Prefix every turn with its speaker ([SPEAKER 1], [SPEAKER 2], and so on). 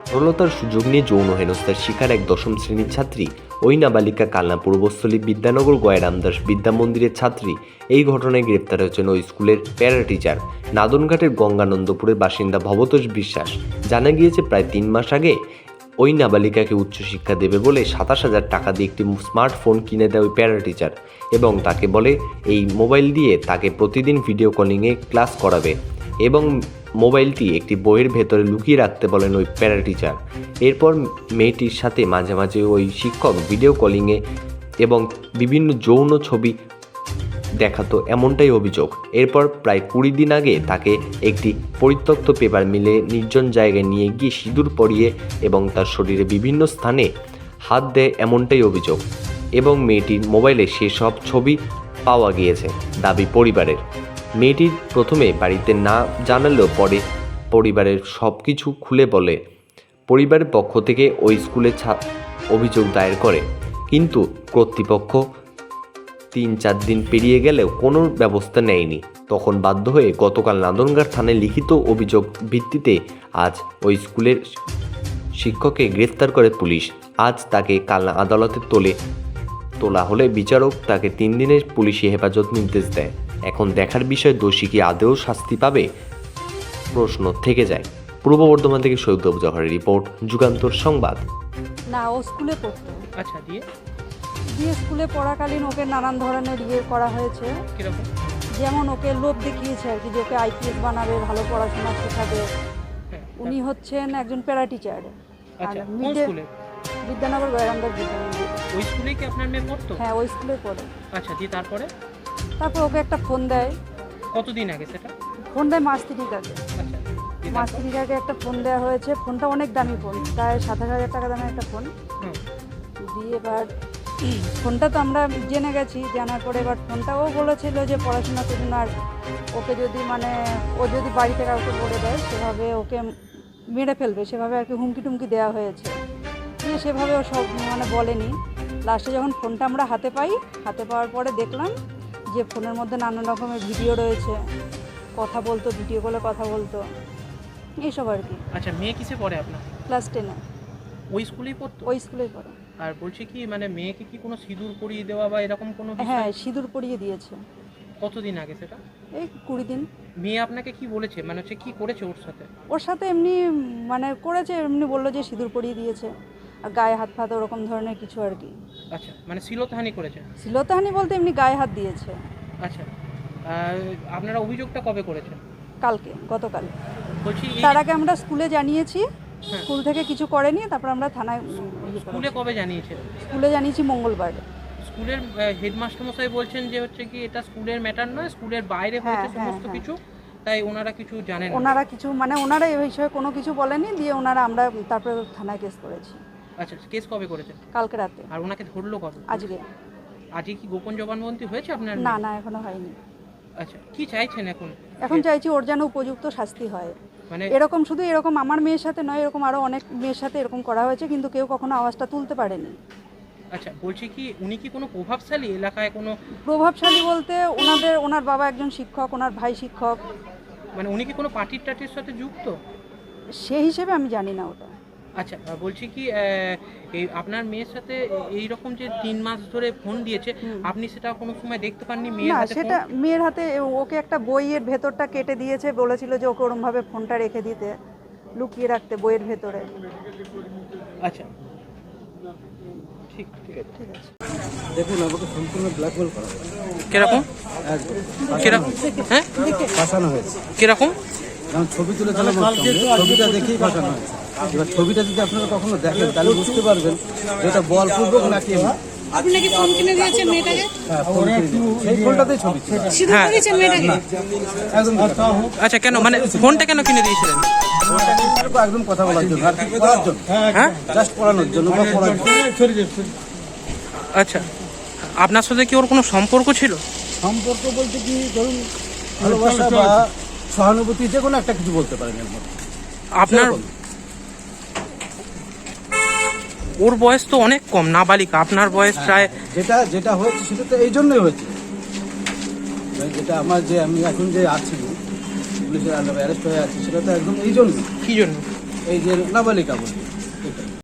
[SPEAKER 1] সরলতার সুযোগ নিয়ে যৌন হেনস্থার শিকার এক দশম শ্রেণীর ছাত্রী। ওই নাবালিকা কালনা পূর্বস্থলী বিদ্যানগর গয়া রামদাস বিদ্যা মন্দিরের ছাত্রী। এই ঘটনায় গ্রেপ্তার হয়েছেন ওই স্কুলের প্যারা টিচার নাদনঘাটের গঙ্গানন্দপুরের বাসিন্দা ভবতোষ বিশ্বাস। জানা গিয়েছে প্রায় 3 মাস আগে ওই নাবালিকাকে উচ্চশিক্ষা দেবে বলে 27,000 টাকা দিয়ে একটি স্মার্টফোন কিনে দেয় ওই প্যারা টিচার এবং তাকে বলে এই মোবাইল দিয়ে তাকে প্রতিদিন ভিডিও কলিংয়ে ক্লাস করাবে এবং মোবাইলটি একটি বইয়ের ভেতরে লুকিয়ে রাখতে বলেন ওই প্যারা টিচার। এরপর মেয়েটির সাথে মাঝে মাঝে ওই শিক্ষক ভিডিও কলিংয়ে এবং বিভিন্ন যৌন ছবি দেখাতো, এমনটাই অভিযোগ। এরপর প্রায় 20 দিন আগে তাকে একটি পরিত্যক্ত পেপার মিলে নির্জন জায়গায় নিয়ে গিয়ে সিঁদুর পরিয়ে এবং তার শরীরে বিভিন্ন স্থানে হাত দেয়, এমনটাই অভিযোগ। এবং মেয়েটির মোবাইলে সেসব ছবি পাওয়া গিয়েছে দাবি পরিবারের। মেয়েটির প্রথমে বাড়িতে না জানালেও পরে পরিবারের সব কিছু খুলে বলে পরিবারের পক্ষ থেকে ওই স্কুলে অভিযোগ দায়ের করে, কিন্তু কর্তৃপক্ষ 3-4 দিন পেরিয়ে গেলেও কোনো ব্যবস্থা নেয়নি। তখন বাধ্য হয়ে গতকাল নাদনঘাট থানায় লিখিত অভিযোগ ভিত্তিতে আজ ওই স্কুলের শিক্ষককে গ্রেফতার করে পুলিশ। আজ তাকে কালনা আদালতে তোলা হলে বিচারক তাকে 3 দিনের পুলিশি হেফাজত নির্দেশ দেয়। এখন দেখার বিষয় দোষী কি আদৌ শাস্তি পাবে, প্রশ্ন থেকে যায়। পূর্ব বর্ধমান থেকে সৈয়দ জহরের রিপোর্ট, যুগান্তর সংবাদ।
[SPEAKER 2] না, ও স্কুলে পড়তো।
[SPEAKER 3] আচ্ছা, দিয়ে
[SPEAKER 2] স্কুলে পড়াকালীন ওকে নানান ধরনের করা হয়েছে।
[SPEAKER 3] কিরকম?
[SPEAKER 2] যেমন ওকে লোভ দেখিয়েছে আর কি, যে ওকে আইপিএস বানাবে, ভালো পড়াশোনা শেখাবে। উনি হচ্ছেন একজন প্যারা টিচার।
[SPEAKER 3] আচ্ছা, কোন স্কুলে?
[SPEAKER 2] বিদ্যানগর গয়া রামদাস বিদ্যা মন্দির।
[SPEAKER 3] ওই স্কুলেই কি আপনার মেয়ে পড়তো?
[SPEAKER 2] হ্যাঁ, ওই স্কুলে পড়ে।
[SPEAKER 3] আচ্ছা, দিয়ে তারপর
[SPEAKER 2] ওকে একটা ফোন দেয়।
[SPEAKER 3] কতদিন আগে সেটা?
[SPEAKER 2] ফোন দেয় মাস 3 আগে।
[SPEAKER 3] আচ্ছা,
[SPEAKER 2] মাস 3 আগে একটা ফোন দেওয়া হয়েছে। ফোনটা অনেক দামি ফোন, প্রায় 27,000 টাকা দামের একটা ফোন দিয়ে। এবার ফোনটা তো আমরা জেনে গেছি, জানার পরে এবার ফোনটাও বলেছিল যে পড়াশোনা করুন, আর ওকে যদি ও যদি বাড়িতে কাউকে বলে দেয় সেভাবে ওকে মেরে ফেলবে, সেভাবে আর কি হুমকি টুমকি দেওয়া হয়েছে। দিয়ে সেভাবে ও সব বলেনি। লাস্টে যখন ফোনটা আমরা হাতে পাওয়ার পরে দেখলাম যে ফোনের মধ্যে নানান রকমের ভিডিও রয়েছে, কথা বলতো, ভিডিও কলে কথা বলতো, এইসব আর কি।
[SPEAKER 3] আচ্ছা, মেয়ে কিসে পড়ে আপনার?
[SPEAKER 2] ক্লাস 10-এ।
[SPEAKER 3] ওই স্কুলেই পড়তো?
[SPEAKER 2] ওই স্কুলেই পড়ে।
[SPEAKER 3] আর বলছি কি, মেয়েকে কি কোনো সিঁদুর পরিয়ে দেওয়া বা এরকম কোনো?
[SPEAKER 2] হ্যাঁ, সিঁদুর পরিয়ে দিয়েছে।
[SPEAKER 3] কতদিন আগে সেটা? এই
[SPEAKER 2] 20 দিন।
[SPEAKER 3] মেয়ে আপনাকে কি বলেছে, কি করেছে
[SPEAKER 2] ওর সাথে? এমনি করেছে, এমনি বললো যে সিঁদুর পরিয়ে দিয়েছে, আর গায়ে হাত ফাত ওরকম ধরনের কিছু আর কি।
[SPEAKER 3] আচ্ছা, শ্লীলতাহানি করেছে?
[SPEAKER 2] শ্লীলতাহানি বলতে এমনি গায়ে হাত দিয়েছে।
[SPEAKER 3] আচ্ছা, আপনারা অভিযোগটা কবে করেছেন?
[SPEAKER 2] গতকাল।
[SPEAKER 3] বলছি
[SPEAKER 2] তার আগে আমরা স্কুলে জানিয়েছি, স্কুল থেকে কিছু করেনি, তারপর আমরা থানায়।
[SPEAKER 3] স্কুলে কবে জানিয়েছেন?
[SPEAKER 2] স্কুলে জানিয়েছি মঙ্গলবার।
[SPEAKER 3] স্কুলের হেডমাস্টার মশাই বলছেন যে কি এটা স্কুলের ম্যাটার নয়, স্কুলের বাইরে হয়েছে সমস্ত কিছু, তাই ওনারা কিছু জানেন না।
[SPEAKER 2] ওনারা এই বিষয়ে কোনো কিছু বলেনি। দিয়ে আমরা তারপরে থানায় কেস করেছি।
[SPEAKER 3] আচ্ছা, কেস কবে করেছেন?
[SPEAKER 2] কালকে রাতে।
[SPEAKER 3] আর ওনাকে ধরলো কবে? আজকে কি গোপন জবানবন্দি হয়েছে আপনার?
[SPEAKER 2] না, এখনো হয়নি।
[SPEAKER 3] আচ্ছা, কি চাইছেন এখন?
[SPEAKER 2] চাইছি ওর যেন উপযুক্ত শাস্তি হয়। শুধু এরকম আমার মেয়ের সাথে নয়, এরকম আরো অনেক মেয়ের সাথে এরকম করা হয়েছে, কিন্তু কেউ কখনো আওয়াজটা তুলতে পারেনি।
[SPEAKER 3] আচ্ছা, বলছি কি উনি কি কোনো প্রভাবশালী এলাকায়? কোনো
[SPEAKER 2] প্রভাবশালী বলতে ওনার বাবা একজন শিক্ষক, ওনার ভাই শিক্ষক।
[SPEAKER 3] উনি কি কোনো পার্টির সাথে যুক্ত?
[SPEAKER 2] সেই হিসেবে আমি জানি না ওটা।
[SPEAKER 3] আচ্ছা, বলছি কি এই আপনার মেয়ের সাথে এই রকম যে 3 মাস ধরে ফোন দিয়েছে, আপনি সেটা কোনো সময় দেখতে পাননি মেয়ের হাতে?
[SPEAKER 2] সেটা মেয়ের হাতে ওকে একটা বইয়ের ভেতরটা কেটে দিয়েছে, বলেছিল যে ওকে ওরমভাবে ফোনটা রেখে দিতে, লুকিয়ে রাখতে বইয়ের ভেতরে।
[SPEAKER 3] আচ্ছা, ঠিক আছে।
[SPEAKER 4] দেখুন, আমাকে সম্পূর্ণ ব্ল্যাকমেল করা হয়েছে।
[SPEAKER 3] কিরকম? হ্যাঁ,
[SPEAKER 4] ফাঁসানো হয়েছে।
[SPEAKER 3] কিরকম?
[SPEAKER 4] যেমন ছবি তুলেছিলাম, ছবিটা দেখেই ফাঁসানো হয়েছে। এবার ছবিটা যদি আপনারা কখনো দেখেন তাহলে বুঝতে পারবেন এটা বলপূর্বক নাকি।
[SPEAKER 5] আপনি নাকি ফোন কিনে দিয়েছেন মেয়েটাকে?
[SPEAKER 4] হ্যাঁ, ফোন কিনে দিয়েছি। সেই ফোনটাতেই ছবি ছিল।
[SPEAKER 5] সিঁদুর পরিয়েছেন মেয়েটাকে?
[SPEAKER 4] একদম।
[SPEAKER 3] আচ্ছা, কেন ফোনটা কেন কিনে দিয়েছিলেন?
[SPEAKER 4] একদম কথা বলার জন্য, আর কি পড়ার জন্য। হ্যাঁ, জাস্ট পড়ানোর জন্য বা পড়ার জন্য।
[SPEAKER 3] আচ্ছা, আপনার সাথে কি ওর কোনো সম্পর্ক ছিল?
[SPEAKER 4] সম্পর্ক বলতে কি, ধরুন ভালোবাসা বা সহানুভূতি, যে কোনো একটা কিছু বলতে পারেন এর মধ্যে।
[SPEAKER 3] আপনার ওর বয়স তো অনেক কম, নাবালিকা। আপনার বয়স প্রায়।
[SPEAKER 4] যেটা হয়েছে সেটা তো এই জন্যই হয়েছে। যেটা আমি এখন যে আছি, পুলিশের অ্যারেস্ট হয়ে আছি, সেটা তো একদম এই জন্য।
[SPEAKER 3] কি জন্য?
[SPEAKER 4] এই যে নাবালিকা বলবে